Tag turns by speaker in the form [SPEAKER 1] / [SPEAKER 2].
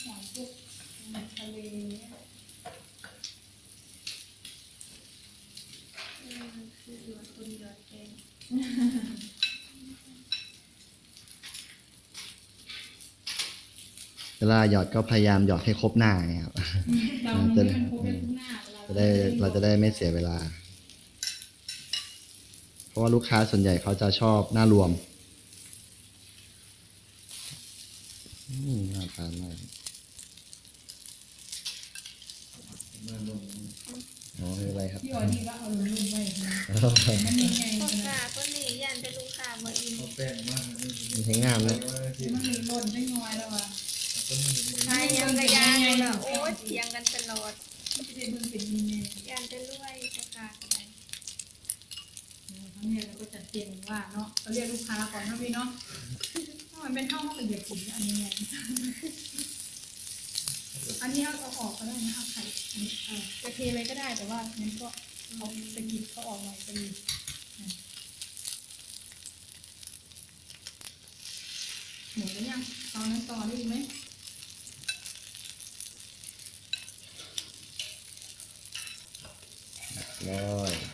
[SPEAKER 1] หอยพวกทะเล
[SPEAKER 2] คือหยอดคนหยอดแกง
[SPEAKER 3] เวลาหยอดก็พยายามหยอดให้ครบหน้าไงครับ
[SPEAKER 1] เราไม่มันครบไปทุกหน้า
[SPEAKER 3] เราจะได้ไม่เสียเวลา เพราะว่าลูกค้าส่วนใหญ่เขาจะชอบหน้ารวมน่าทานมากอ๋อคืออะไรครับ
[SPEAKER 1] พี่อ๋อนี่ก็เอาลุ่มๆไว้มันยังไง
[SPEAKER 2] พ่อ
[SPEAKER 1] นะ
[SPEAKER 2] ค้าก็หนียันเป็นลูกค้ามาอิน
[SPEAKER 4] เอาแป้งมาก
[SPEAKER 3] มันใช้งามเลย
[SPEAKER 1] มันมีหล่นไม่น้อยแล้วอ่ะ
[SPEAKER 2] ใช่ยังกระยานเลยโอ้เถียงกันตลอด
[SPEAKER 1] ไม่ได้เบิ่งเป็นยังไง
[SPEAKER 2] ยันจะรวยพ่อค้าอะไร
[SPEAKER 1] ทั้งนี้เราก็จัดเตรียมว่าเนาะเราเรียกลูกค้าก่อนนะพี่เนาะถ้ามันเป็นห้องละเอียดสีอันนี้ไงอันนี้เอาออกก็ได้นะเอาไข่จะเทอะไรก็ได้แต่ว่านั้นก็เอาสกิดเขาออกหน่อยก็ดีหมดแล้วยังตอนนั้นต่อได้อีกไหม
[SPEAKER 3] ร้อย